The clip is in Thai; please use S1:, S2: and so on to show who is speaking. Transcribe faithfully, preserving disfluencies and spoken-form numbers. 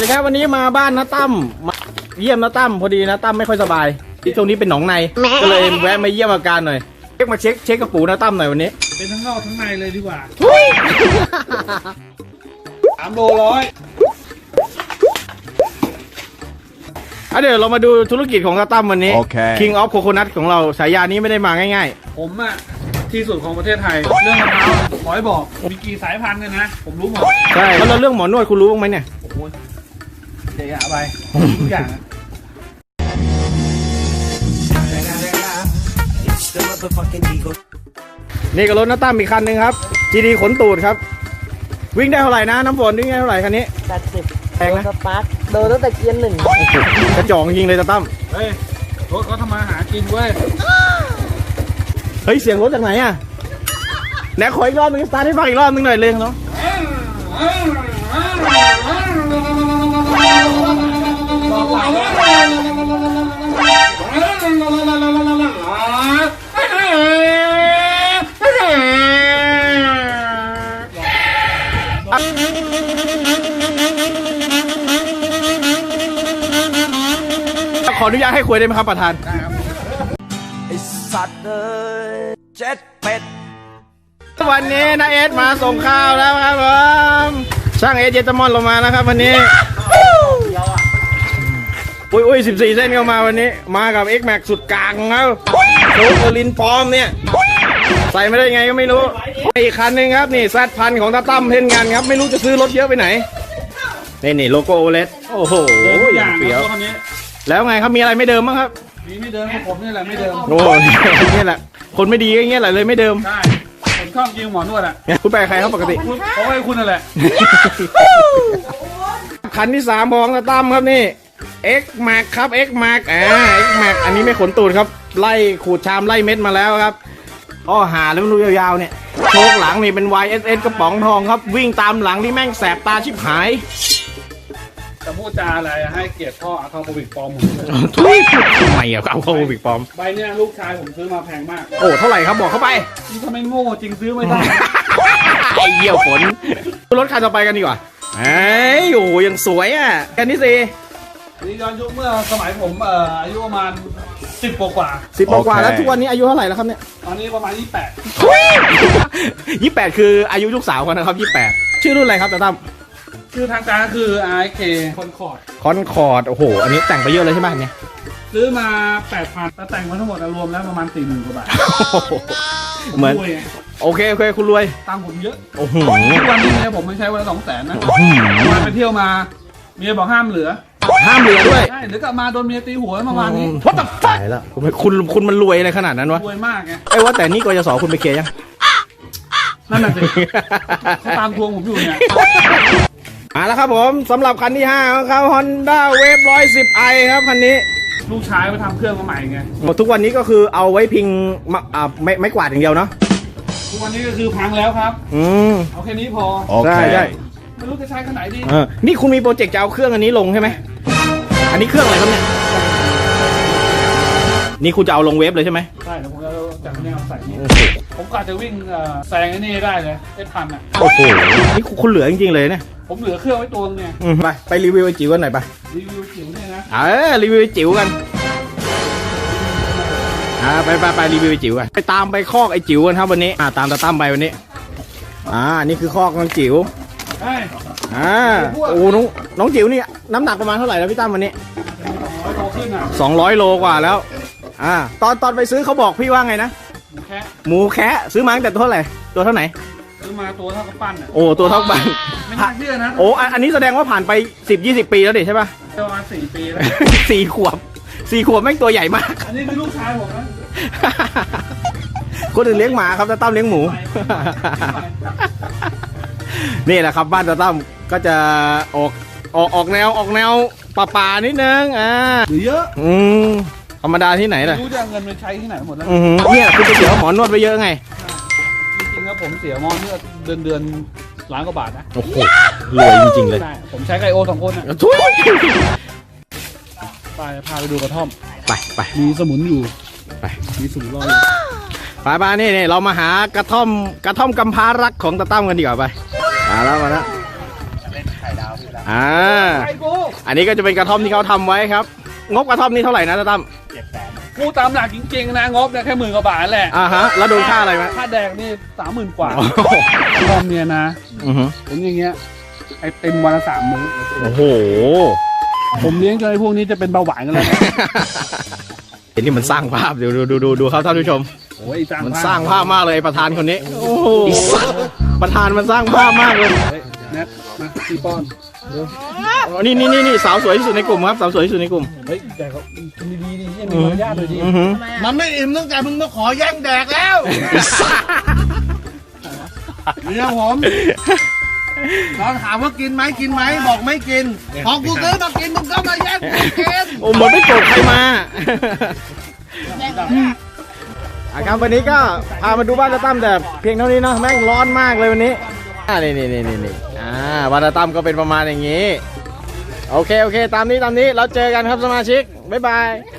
S1: ดีครับวันนี้มาบ้านน้าตั้มมาเยี่ยมน้าตั้มพอดีน้าตั้มไม่ค่อยสบายที่ช่วงนี้เป็นหนองในก็เลยแวะมาเยี่ยมอาการหน่อยเช็คมาเช็คเช็คกระปูน้าตั้มหน่อยวันนี้
S2: เป็นทั้งนอกทั้งในเลยดีกว่าสามโลร้อย
S1: อ่ะเดี๋ยวเรามาดูธุรกิจของน้าตั้มวันนี้ okay. King of Coconut ของเราฉายานี้ไม่ได้มาง่าย
S2: ๆผมอะที่สุดของประเทศไทยเรื่องมะพร้าวขอให้บอกมีกี่สายพันธุ์กันนะผมรู้หมด
S1: ใช่แล้วเรื่องหมอนวดคุณรู้บ้างไหมเนี่ย
S2: โอ้โหเดี๋ยวไปทุกอย่าง
S1: นี่ก็รถน้าตั้มอีกคันหนึ่งครับ จี ดี ขนตูดครับวิ่งได้เท่าไหร่นะน้ำฝนวิ่งได้เท่าไหร่คันนี้
S3: แปดสิบ
S1: แพงนะ
S3: สปาร์คโดนตั้งแต่เกียร์หนึ่ง
S1: กระจองยิงเลยน้าตั้ม
S2: เฮ้ยรถเขาทำมาหากินเว้ย
S1: เฮ้ยเสียงรถจากไหนอ่ะไหนขออีกรอบนึงสตาร์ทให้ฟังอีกรอบนึงหน่อยเลยเนาะขออนุญาตให้คุยได้ไหมครับประธานได้ครับ
S4: ไอสัตว์เลยเจ็ดเป็ด
S1: วันนี้นาเอสมาส่งข้าวแล้วครับผมช่างเอสเจตมอนลงมานะครับวันนี้อุ้ยอุ้ยสิบสี่เส้นเข้ามาวันนี้มากับ X Max สุดกลางของเขาโซลินปลอมเนี่ยใส่ไม่ได้ไงก็ไม่รู้อีกคันหนึ่งครับนี่แซดพันของตาตั้มเพ่นงานครับไม่รู้จะซื้อรถเยอะไปไหนนี่นี่โลโก้โอเลสโอ้โหอย่างเปรี้ยวแล้วไงครับมีอะไรไม่เดิมบ้างครับ
S2: มีไม่เดิมของผมนี่แหละไม่เดิม
S1: โอ้นี่แหละคนไม่ดีอย่างเงี้ยแหละเลยไม่เดิม
S2: ใช่ผมชอบยิงหมอนวดอ่ะ
S1: คุณไปใครครับปกติ
S2: เพราะว่าคุณนั่นแหละ
S1: คันที่สามของตาตั้มครับนี่ X Max ครับ X Max อ่า X Max อันนี้ไม่ขนตูดครับไล่ขูดชามไล่เม็ดมาแล้วครับอ้อหาแล้วมันดูยาวๆเนี่ยโชกหลังนี่เป็น วาย เอส เอส กระป๋องทองครับวิ่งตามหลังที่แม่งแสบตาชิบหาย
S2: จะพูดจาอะไรให้เกียรติพ่ออะคาโควิกปลอมผม
S1: ทุยทำไมอะอะคาโควิกปลอม
S2: ใบเนี้ยลูกชายผมซื้อมาแพงมาก
S1: โอ้เท่าไหร่ครับบอกเข้าไป
S2: นี่ทำไมโง่จริงซื้อไม่ได้
S1: ไอ้เหี้ยวฝนรถคันต่อไปกันดีกว่าเอ้ยโอ้ยังสวยอ่ะแค่นี้สิ
S2: นี่ย้อนยุคเมื่อสมัยผมเอ่ออายุประมาณสิบกว่า
S1: สิบกว่าแล้วทุกวันนี้อายุเท่าไหร่แล้วครับเนี่ย
S2: ตอนนี้ประมาณยี่สิบแปด
S1: ยี่สิบแปดคืออายุลูกสาวกันนะครับยี่สิบแปดชื่อรุ่นอะไรครับตาตั้ม
S2: ชื่อทางการคือ อาร์ เค คอนคอร์ด
S1: คอนคอร์ดโอ้โหอันนี้แต่งไปเยอะเลยใช่ไหมเนี่ย
S2: ซื้อมาแปดพันแต่แต่งมาทั้งหมดรวมแล้วประมาณสี่หมื่นกว่าบาท
S1: เหมือนโอเคโอเคคุณรวย
S2: ตังค์ผมเยอะ
S1: โอ้โห
S2: ทุกวันนี้เนี่ยผมไม่ใช้วันละสองแสนนะมาไปเที่ยวมาเมียบอกห้ามเหลือ
S1: ห้ามเหลือด้วย
S2: ใช่เดี๋ยวกลับมาโดนเมียตีหัวเมื่อวานนี้
S1: วัดตับตายแล้วคุณคุณคุณมันรวยอะไรขนาดนั้นวะ
S2: รวยมากไง
S1: ไอ้ว่าแต่นี่กยศคุณไปเคลียร์ยัง
S2: นั่นน่ะสิเขาตามทวงผมอยู่เนี่ย
S1: มาแล้วครับผมสำหรับคันที่ห้าของเขา Honda Wave หนึ่งร้อยสิบไอครับคันนี้
S2: ลูกชายไปทำเครื่องมาใหม่ไง
S1: ทุกวันนี้ก็คือเอาไว้พิงอ่าไม่ไม่กวาดอย่างเดียวเนาะ
S2: ทุกวันนี้ก็คือพังแล้วครับ
S1: อืม
S2: เอาแค่นี้พอ
S1: ใช่ใช่
S2: ไม่รู้จะใช้ขนาดไหนดี
S1: เออนี่คุณมีโปรเจกต์จะเอาเครื่องอันนี้ลงใช่ไหมอันนี้เครื่องอะไรครับเนี่ยนี่คุณจะเอาลงเวฟเลยใช่ไหม
S2: ใช่แล้วผมจะจากแนวใส่นี่ผมกะจะวิ่งแซงไอ้นี่ได้เลยไอ้พันอ่ะ
S1: โอ้โหนี่คุณเหลือจริงๆเลยเนี่ย
S2: ผมเหลือเครื่องไว้ตัวนึงไง
S1: ไปไปรีวิวไอ้จิ๋วกันหน่อยไป
S2: รีวิวจิ๋วเนี่ยนะ
S1: เออรีวิวไอ้จิ๋วกันอ่าไปไปไปรีวิวไอ้จิ๋วกันไปตามไปคอกไอ้จิ๋วกันครับวันนี้อ่าตามตาตั้มไปวันนี้อ่านี่คือคอกน้องจิ๋วอ่าโอ้น้องน้องจิ๋วนี่น้ำหนักประมาณเท่าไหร่แล้วพี่ตั้มวันนี้สองร้อยโลกว่าแล้วอ่าตอนตอนไปซื้อเขาบอกพี่ว่าไงนะ
S2: หมูแคะ
S1: หมูแคะซื้อมาตั้งแต่ตัวเท่าไหร่ตัวเท่าไหน
S2: ซื้อมาตัวเท่ากับปั้นอ่ะ
S1: โอ้ตัวเท่าปั้น
S2: ไม่น่าเชื่อนะ
S1: โอ้อันนี้แสดงว่าผ่านไปสิบยี่สิบปีแล้วดิใช่ป่ะ
S2: ประมาณสี่ปีแล้ว
S1: สี่ขวบสี่ขวบแม่งตัวใหญ่มาก
S2: อันนี้คือลูกชายผมนะ
S1: คนอื่นเลี้ยงหมาครับตาตั้มเลี้ยงหมูนี่แหละครับบ้านตาตั้มก็จะออกออกออกแนวออกแนวป่าป่านิดนึงอ่า
S2: หรือเยอะ
S1: อืมธรรมดาที่ไหนล่ะ
S2: รู้จะเงินไปใช้ที่ไหนหมดแล้ว
S1: เนี่ยคุณจะเสียหมอนวดไปเยอะไง
S2: จริงๆแล้วผมเสียหมอนวดเดือนเดือนล้านกว่าบาทนะ
S1: โอ้โหรวยจริงๆเลย
S2: ผมใช้ไก่โอสองคนอ่ะ
S1: ทุย
S2: ไปพาไปดูกระท่อม
S1: ไปไป
S2: มีสมุนอยู่
S1: ไป
S2: มีสมุนรอ
S1: ไปไปนี่นี่เรามาหากระท่อมกระท่อมกำพร้ารักของตาตั้มกันดีกว่าไปมาแล้วมาแล้วอ่าอันนี้ก็จะเป็นกระท่อมที่เขาทำไว้ครับ งบกระท่อมนี่เท่าไหร่นะตาตั้ม
S2: พูดตามหลักจริงๆนะงบเนี่ยแค่หมื่นกว่าบาทแหละ
S1: อ่าฮะแล้วโดนค่าอะไรไหม
S2: ค่าแดงนี่สามหมื่นกว่า
S1: โอ้โห
S2: รอมเนี่ยนะ
S1: อือฮึ
S2: เป็นอย่างเงี้ยไอเต็มวันละสามมื้อ
S1: โอ้โห
S2: ผมเลี้ยงจนไอพวกนี้จะเป็นเบาหวานกันแล้วนะ
S1: เห็นที่มันสร้างภาพเดี๋ยวดูดูดูดูครับท่านผู้ชม
S2: โอ้ยสร้าง
S1: มัน
S2: ภาพ
S1: สร้างภาพมากเลยประธานคนนี้ โอ้โหประธานมันสร้างภาพมากเลย
S2: เฮ้ยแนทมาตีป้อน
S1: อ๋อนี่นี่นี่นี่สาวสวยที่สุดในกลุ่มครับสาวสวยที่สุดในกลุ่ม
S2: เฮ้ยแต่เขากินดีๆดิยังมีมารยาทเลยดิ
S1: อือฮึ
S5: มันไม่อิ่มตั้งแต่มึงมาขอแย่งแดกแล้วเนี่ยผมตอนถามว่ากินไหมกินไหมบอกไม่กิน พอกูซื้อมากินมึงก็มาแย่งกูกิน
S1: โอ้เหมือนไม่โกรธใครมาอ่ะครับวันนี้ก็พามาดูบ้านตาตั้มแต่เพียงเท่านี้เนาะแม่งร้อนมากเลยวันนี้อ่านี่นี่นี่นี่นี่อ่าบ้านตาตั้มก็เป็นประมาณอย่างนี้ โอเคโอเคตามนี้ตามนี้เราเจอกันครับสมาชิกบ๊ายบาย